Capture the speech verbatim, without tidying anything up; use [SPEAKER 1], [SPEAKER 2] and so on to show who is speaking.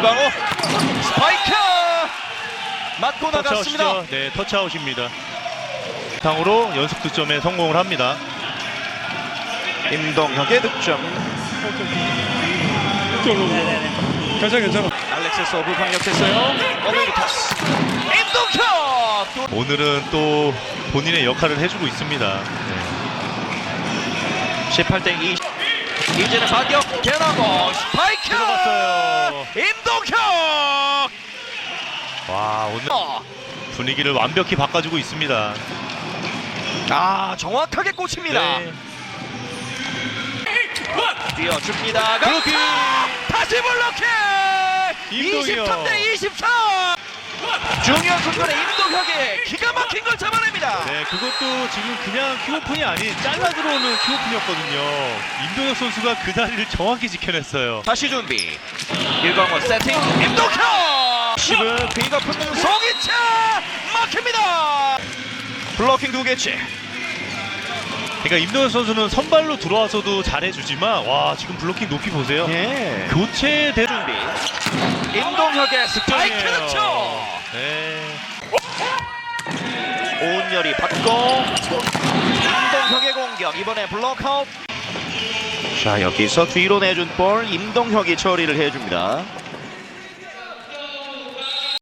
[SPEAKER 1] 일광호 스파이크 맞고 나갔습니다.
[SPEAKER 2] 터치아웃이죠. 네, 터치아웃입니다. 상으로 연속 득점에 성공을 합니다.
[SPEAKER 1] 임동혁의 득점.
[SPEAKER 3] 괜찮아 괜찮아.
[SPEAKER 1] 알렉스 서브 강력했어요. 오늘 토스 임동혁.
[SPEAKER 2] 오늘은 또 본인의 역할을 해주고 있습니다. 네.
[SPEAKER 1] 십팔 대 이십. 이제는 반격 개나고 스파이크
[SPEAKER 2] 들어갔어요.
[SPEAKER 1] 임동혁.
[SPEAKER 2] 와, 오늘 분위기를 완벽히 바꿔주고 있습니다.
[SPEAKER 1] 아 정확하게 꽂힙니다.
[SPEAKER 2] 네.
[SPEAKER 1] 뛰어줍니다.
[SPEAKER 2] 블로킹!
[SPEAKER 1] 다시 블로킹.
[SPEAKER 2] 임동혁.
[SPEAKER 1] 이십삼 대 이십사. 중요한 순간에 임동혁이 기가 막힌 걸 잡아냅니다.
[SPEAKER 2] 네, 그것도 지금 그냥 킥오픈이 아닌 잘라 들어오는 킥오픈이었거든요. 임동혁 선수가 그 자리를 정확히 지켜냈어요.
[SPEAKER 1] 다시 준비. 일광원 세팅. 임동혁. 십은 비가 붙는 송이차 막힙니다. 블로킹 두 개째.
[SPEAKER 2] 그러니까 임동혁 선수는 선발로 들어와서도 잘해주지만 와, 지금 블로킹 높이 보세요.
[SPEAKER 1] 예.
[SPEAKER 2] 교체 대
[SPEAKER 1] 준비. 임동혁의 스파이크 득점.
[SPEAKER 2] 네.
[SPEAKER 1] 오은열이 받고 임동혁의 공격. 이번에 블록아웃. 자, 여기서 뒤로 내준 볼 임동혁이 처리를 해줍니다.